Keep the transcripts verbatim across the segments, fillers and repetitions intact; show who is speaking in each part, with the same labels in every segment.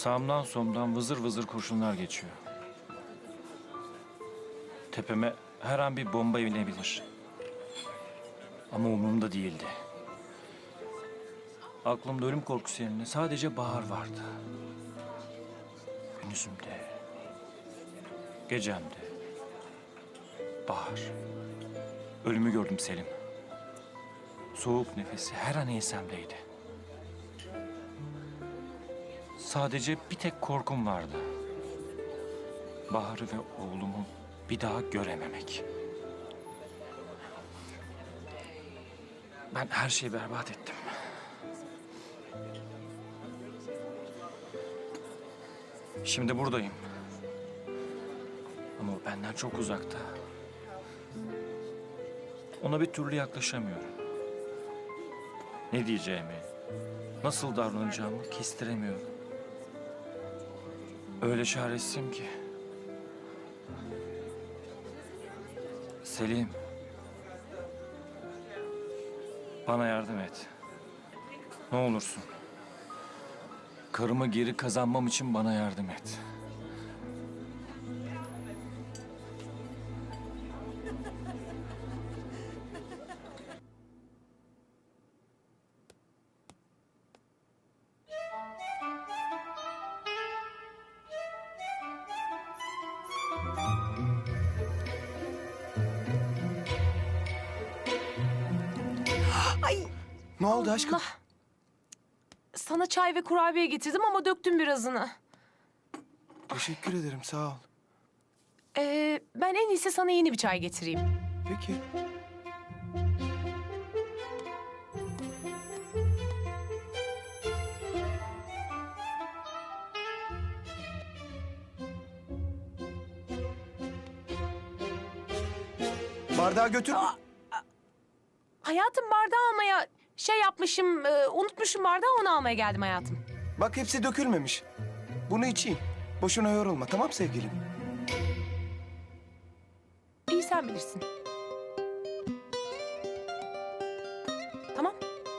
Speaker 1: Sağımdan solumdan vızır vızır kurşunlar geçiyor. Tepeme her an bir bomba inebilir. Ama umurumda değildi. Aklımda ölüm korkusu yerine sadece Bahar vardı. Gündüzümde, gecemde. Bahar. Ölümü gördüm Selim. Soğuk nefesi her an ensemdeydi. Sadece bir tek korkum vardı. Bahar'ı ve oğlumu bir daha görememek. Ben her şeyi berbat ettim. Şimdi buradayım. Ama o benden çok uzakta. Ona bir türlü yaklaşamıyorum. Ne diyeceğimi, nasıl davranacağımı kestiremiyorum. Öyle çaresizim ki. Selim. Bana yardım et. Ne olursun. Karımı geri kazanmam için bana yardım et.
Speaker 2: Ay
Speaker 3: Ne oldu aşkım?
Speaker 2: Allah. Sana çay ve kurabiye getirdim ama döktüm birazını.
Speaker 3: Teşekkür ederim, sağ ol.
Speaker 2: Ee, ben en iyisi sana yeni bir çay getireyim.
Speaker 3: Peki. Bardağı götür.
Speaker 2: Hayatım, bardağı almaya şey yapmışım, e, unutmuşum bardağı, onu almaya geldim hayatım.
Speaker 3: Bak hepsi dökülmemiş. Bunu içeyim. Boşuna yorulma, tamam sevgilim?
Speaker 2: İyi, sen bilirsin. Tamam.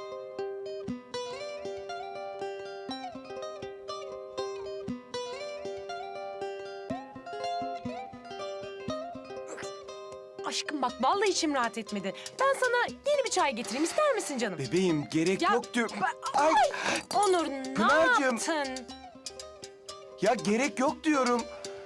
Speaker 2: Aşkım bak, vallahi içim rahat etmedi. Ben sana yeni bir çay getireyim, ister misin canım?
Speaker 3: Bebeğim gerek
Speaker 2: Ya,
Speaker 3: yok diyor.
Speaker 2: ben-
Speaker 3: Ay,
Speaker 2: Onur, ne
Speaker 3: Pınar'cığım.
Speaker 2: yaptın?
Speaker 3: ya gerek yok diyorum.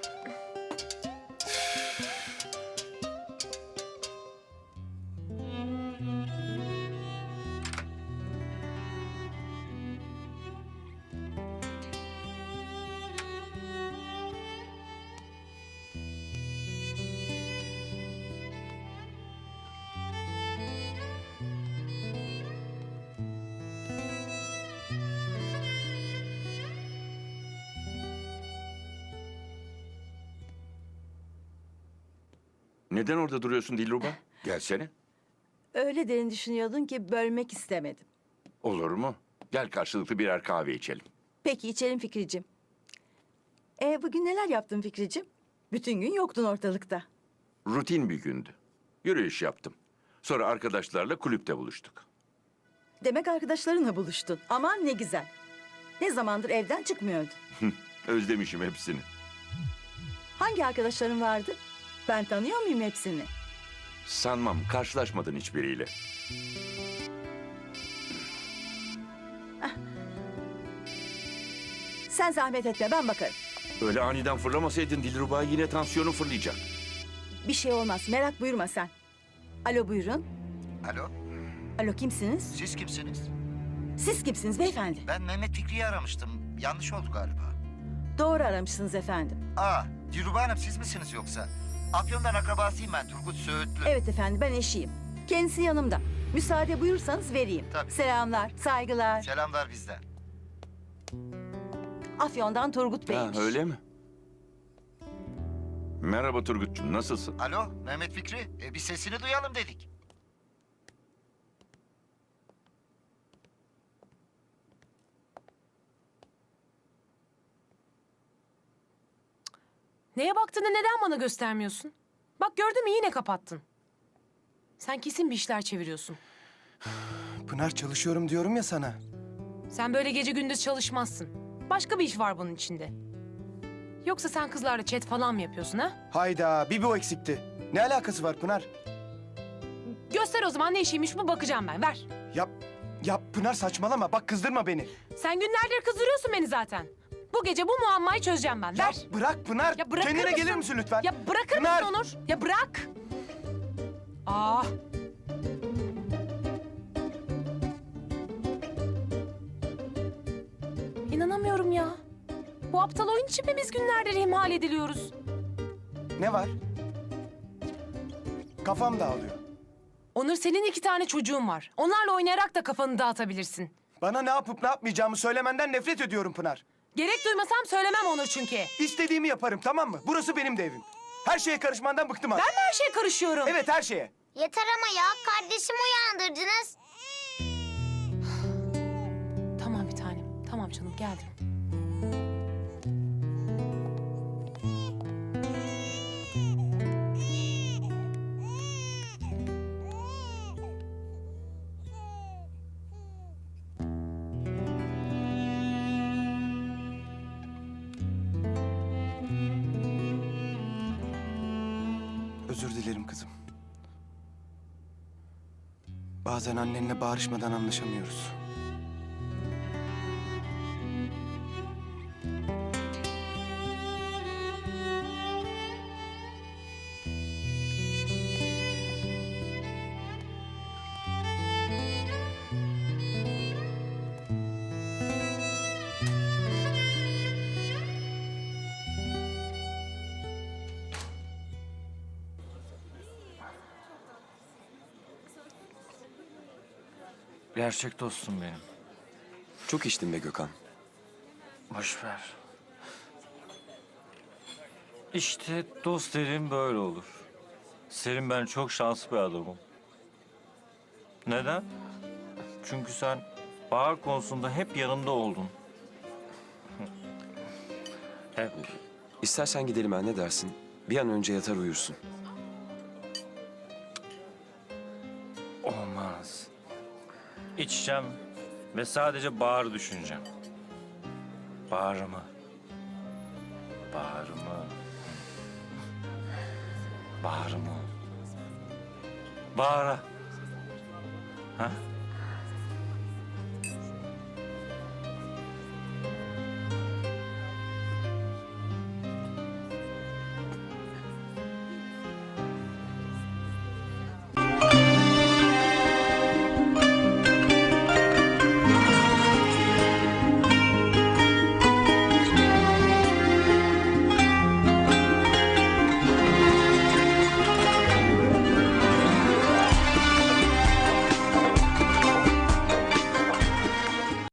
Speaker 4: Neden orada duruyorsun Dilruba? Gelsene.
Speaker 5: Öyle derin düşünüyordun ki bölmek istemedim.
Speaker 4: Olur mu? Gel karşılıklı birer kahve içelim.
Speaker 5: Peki içelim Fikricim. E bugün neler yaptın Fikricim? Bütün gün yoktun ortalıkta.
Speaker 4: Rutin bir gündü. Yürüyüş yaptım. Sonra arkadaşlarla kulüpte buluştuk.
Speaker 5: Demek arkadaşlarınla buluştun. Aman ne güzel. Ne zamandır evden çıkmıyordun.
Speaker 4: Özlemişim hepsini.
Speaker 5: Hangi arkadaşların vardı? Ben tanıyor muyum hepsini?
Speaker 4: Sanmam karşılaşmadın hiçbiriyle.
Speaker 5: Sen zahmet etme, ben bakarım.
Speaker 4: Öyle aniden fırlamasaydın Dilruba yine tansiyonu fırlayacak.
Speaker 5: Bir şey olmaz, merak buyurma sen. Alo buyurun.
Speaker 6: Alo,
Speaker 5: Alo kimsiniz?
Speaker 6: siz kimsiniz?
Speaker 5: Siz kimsiniz beyefendi?
Speaker 6: Ben Mehmet Fikri'yi aramıştım. Yanlış oldu galiba.
Speaker 5: Doğru aramışsınız efendim.
Speaker 6: Aa, Dilruba Hanım siz misiniz yoksa? Afyon'dan akrabasıyım ben, Turgut Söğütlü.
Speaker 5: Evet efendim, ben eşiyim. Kendisi yanımda. Müsaade buyursanız vereyim.
Speaker 6: Tabii.
Speaker 5: Selamlar, saygılar.
Speaker 6: Selamlar bizden.
Speaker 5: Afyon'dan Turgut
Speaker 4: Ha,
Speaker 5: Bey'miş.
Speaker 4: öyle mi? Merhaba Turgut'cum, nasılsın?
Speaker 6: Alo, Mehmet Fikri. E, bir sesini duyalım dedik.
Speaker 2: Neye baktığını neden bana göstermiyorsun? Bak, gördün mü, yine kapattın. Sen kesin bir işler çeviriyorsun.
Speaker 3: Pınar çalışıyorum diyorum ya sana.
Speaker 2: Sen böyle gece gündüz çalışmazsın. Başka bir iş var bunun içinde. Yoksa sen kızlarla chat falan mı yapıyorsun ha?
Speaker 3: Hayda, bir bu eksikti. Ne alakası var Pınar?
Speaker 2: Göster o zaman ne işiymiş bu, bakacağım ben. Ver.
Speaker 3: Yap, yap Pınar saçmalama. Bak kızdırma beni.
Speaker 2: Sen günlerdir kızdırıyorsun beni zaten. Bu gece bu muammayı çözeceğim ben.
Speaker 3: Ya
Speaker 2: Ver.
Speaker 3: bırak Pınar.
Speaker 2: Ya bırakır
Speaker 3: Kendine
Speaker 2: mısın?
Speaker 3: gelir misin lütfen?
Speaker 2: Ya bırakır
Speaker 3: Pınar.
Speaker 2: mısın Onur? Ya bırak. Aa. İnanamıyorum ya. Bu aptal oyun için mi biz günlerdir ihmal ediliyoruz?
Speaker 3: Ne var? Kafam dağılıyor.
Speaker 2: Onur, senin iki tane çocuğun var. Onlarla oynayarak da kafanı dağıtabilirsin.
Speaker 3: Bana ne yapıp ne yapmayacağımı söylemenden nefret ediyorum Pınar.
Speaker 2: Gerek duymasam söylemem Onur çünkü.
Speaker 3: İstediğimi yaparım, tamam mı? Burası benim de evim. Her şeye karışmandan bıktım artık.
Speaker 2: Ben mi her şeye karışıyorum?
Speaker 3: Evet, her şeye.
Speaker 7: Yeter ama ya, kardeşimi uyandırdınız.
Speaker 2: Tamam bir tanem. Tamam canım, geldim.
Speaker 3: Özür dilerim kızım. Bazen annenle bağırışmadan anlaşamıyoruz.
Speaker 1: Gerçek dostum benim.
Speaker 8: Çok içtin be Gökhan.
Speaker 1: Boş ver. İşte dost dediğim böyle olur. Selim, ben çok şanslı bir adamım. Neden? Çünkü sen Bahar konusunda hep yanında oldun. Hep.
Speaker 8: İstersen gidelim ha, ne dersin? Bir an önce yatar uyursun.
Speaker 1: Olmaz. İçeceğim ve sadece Bahar'ı düşüneceğim. Bahar'ımı. Bahar'ımı. Bahar'ımı. Bahar'a. Ha?